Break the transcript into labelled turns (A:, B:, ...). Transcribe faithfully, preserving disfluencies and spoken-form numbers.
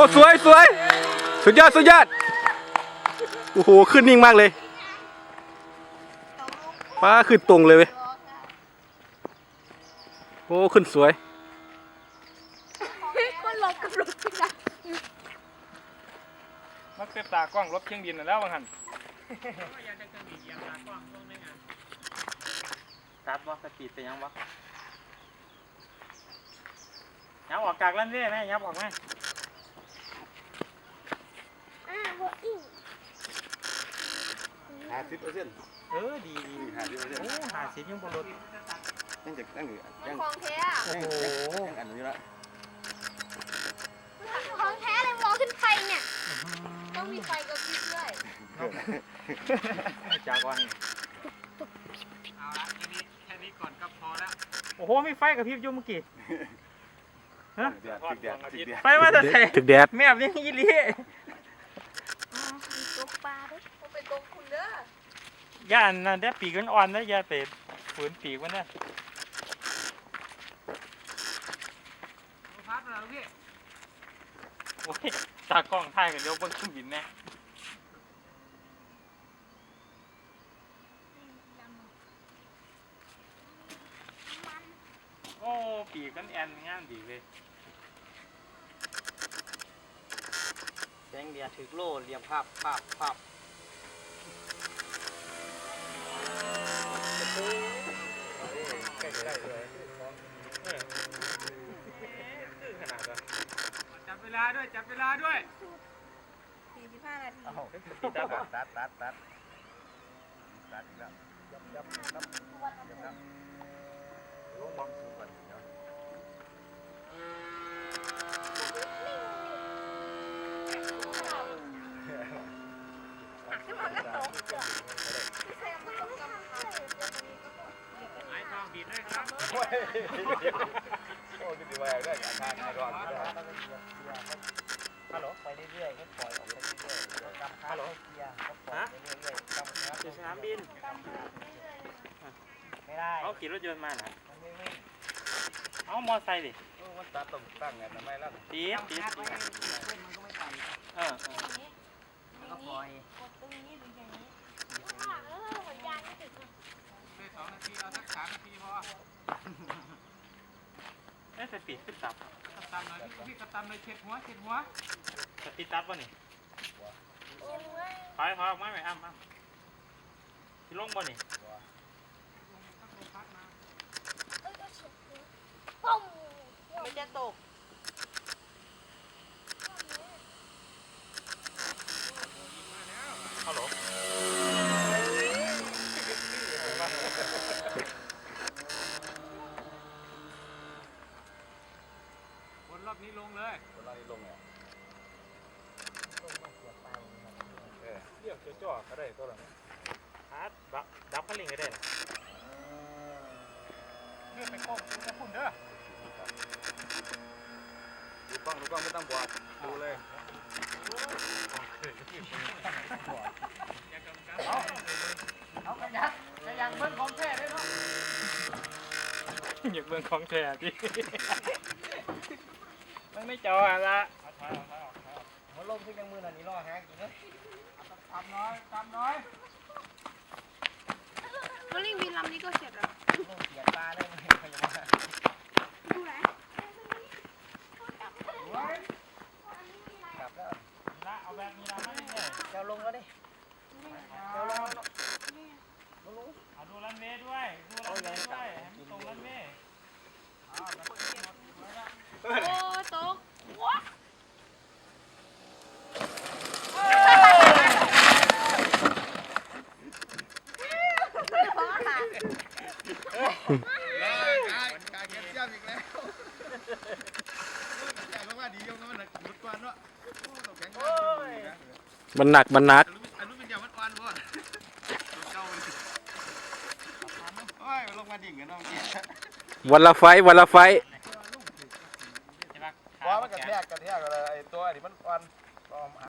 A: สวยสวยสุดยอดสุดยอดโอ้โหขึ้นนิ่งมากเลยป้าขึ้นตรงเลยเว้ยโอ้ขึ้นสวย
B: มันลบกับรถที่ไหน
C: มันเป็นตากล้องรถเครื่องบินแล้วบางหันตัดวะสปีดเป็นยังวะยับออกกากลั่นเรื่อยไหมยับออกไหม
B: อ่าบัวอิ่ง
D: ห้าสิบเปอร์เซ็นต์
C: เออดีดี
D: ห้าสิบเปอร์เซ็นต์
C: โอ้หาสิบยังบนรถ
D: ยังจะยังอยู่
B: มั
D: ยั
B: น
D: ง
B: ของแท้
C: โอ้โห
D: ยังอันนี้ละ
B: ของแท้เลยมองขึ้นไฟเนี่ยต้องมีไฟกระพริบด้วย
C: จากวันเอาละแค่นี้แค่นี้ก่อนก็พอแล้วโอ้โหมีไฟกับพริบยุ่เมื่อกี้ฮะ
D: เดือดติดเดือดติดเดือด
C: ไฟมาแต่ไหน
A: ถึกแดด
C: แม่แบบนี้ยี่ลี่
B: มีตกปลาด้วยผมเป็นตกคุณเด้
C: อย่าอันนั้นได้ปีกมันอ่อนนะอย่าไปฝืนปีกมันนะพัดแล้วพี่โอ้ยตากล้องถ่ายกันเดี๋ยวบนเครื่องบินแน่โอ้ปีกกันแอนงามดีเลยแสงเดียถึกโล่เรียมภาพภาพภาพใกล้ๆเลยจับเวลาด้วยจับเวลาด้วย
B: สี่สิบห้านาที
D: ตัดตัดตัดตัดตัดอีกแล้วยับยับยับยับยับลงบอมสูงกว่านี้เนาะ
B: ขึ้นมาก็ตกจ้ะพี่แซมก็ตกกำลัง
C: ไอ้ทองบีดด้วยครับ
D: โอ้ยโอ้ยดีว่าได้อาการไม่ร้อนไม่ร้อน
C: ฮัลโหลไปเรื่อยๆให้ปล่อยออกไปเรื่อยๆฮัลโหลฮะอยู่สนามบินไม่ได้เขาขี่รถยนต์มาเหรอเอามอไซค์ดิ
D: มันตัดต้องตั้งไงทำไมล่ะ
C: ตีดตีดเออ
B: ก็ปล่อยกดตรงนี้หรืออย่างนี้ข้างหลังแล้วสัญญาณไม่ติด
C: ได้สองนาทีเอาสักสามนาทีพอเอ๊ะสปีดขึ้นตับกระตำหน่อยพี่พี่กระตำเลยเช็ดหัวเช็ดหัวสปีดตับป่ะนี่ถอยถอยออกมาไหมอ้ำอ้ำที่ลงป่ะนี่
B: ปุ้มมันจะตก
C: ฮัลโหลบนรอบนี้ลงเลย
D: คนเรานี่ลงเนี่ย
C: เรียกจ่อๆก็ได้ตัวละฮาร์ดดับดับขั้นลิงก็ได้นะเลือกไปโค้งจะพุ่นเด้อ
D: ดูกล้องดูกล้องไม่ต้องบอกดูเลย
C: เอาเอากระยักกระยังเบิ้งของแท้ได้เนาะอยากเบิ้งของแท้ดิมันไม่จ่อละมันลมขึ้นยังมือหน่อยนี่รอหากินเลยตามน้อยตามน้อย
B: วอลลิ่งบินลำนี้ก็เสร็จแล้ว
C: เสียตาได้ไหมพยาบาล
B: ดูไหน
C: กลับแล้วละเอาแบบนี้ละไม่เนี่ยเจ้าลงแล้วดิเจ้าลงเอาดูรันเวย์ด้วยดูรันเวย์ด้วยตรงรันเวย์
B: โอ้ตกว้า
D: การเก็บเสี้ยมอีกแล้วแต่เพราะว่าดียงมันหนักหมดกวนเนาะแข็งมาก
A: มันหนักมันหนัก
D: อันนู้นเป็นยามันอ่อนบ่เก่าเลยโอ้ยลงมาดิ่งกันน้องกี้
A: วันละไฟวันละไฟ
D: ว่ามันกระแทกกระแทกอะไรไอ้ตัวอันนี้มันอ่อน